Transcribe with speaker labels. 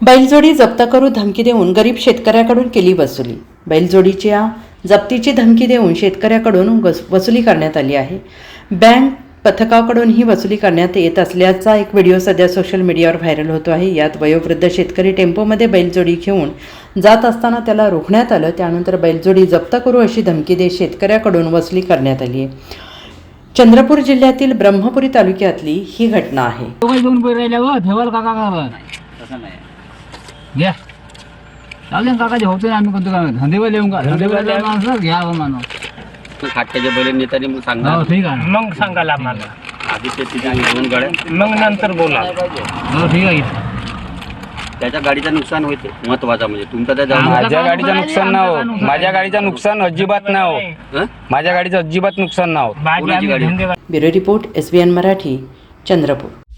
Speaker 1: बैलजोडी जप्त करू धमकी देऊन गरीब शेतकऱ्याकडून केली वसुली। बैलजोडीच्या जप्तीची धमकी देऊन शेतकऱ्याकडून वसुली करण्यात आली आहे। बँक पथकाकडून ही वसुली करण्यात येत असल्याचा एक व्हिडिओ सध्या सोशल मीडियावर व्हायरल होतो आहे। यात वयोवृद्ध शेतकरी टेम्पोमध्ये बैलजोडी घेऊन जात असताना त्याला रोखण्यात आलं। त्यानंतर बैलजोडी जप्त करू अशी धमकी देत शेतकऱ्याकडून वसुली करण्यात आली आहे। चंद्रपूर जिल्ह्यातील ब्रह्मपुरी तालुक्यातली ही घटना आहे।
Speaker 2: घ्या चालेल काकाचे होते आम्ही कोणतं काम धंदेवाले येऊन का धंदेवाले माणसं घ्या मानो
Speaker 3: खाट्याच्या बैल नेत्याने मग सांगा।
Speaker 2: हो ठीक आहे
Speaker 4: मग सांगाल आम्हाला
Speaker 3: आधी शेतीच्या दोन गाड्या
Speaker 4: मग नंतर बोला।
Speaker 2: हो ठीक आहे
Speaker 3: त्याच्या गाडीचं नुकसान होते महत्वाचा म्हणजे तुमचा त्या
Speaker 5: माझ्या गाडीचं नुकसान ना हो, माझ्या गाडीचं नुकसान अजिबात ना हो, माझ्या गाडीचं अजिबात नुकसान ना हो।
Speaker 4: बाकी आम्ही धंदेवाले
Speaker 1: bureau report SBN Marathi Chandrapur.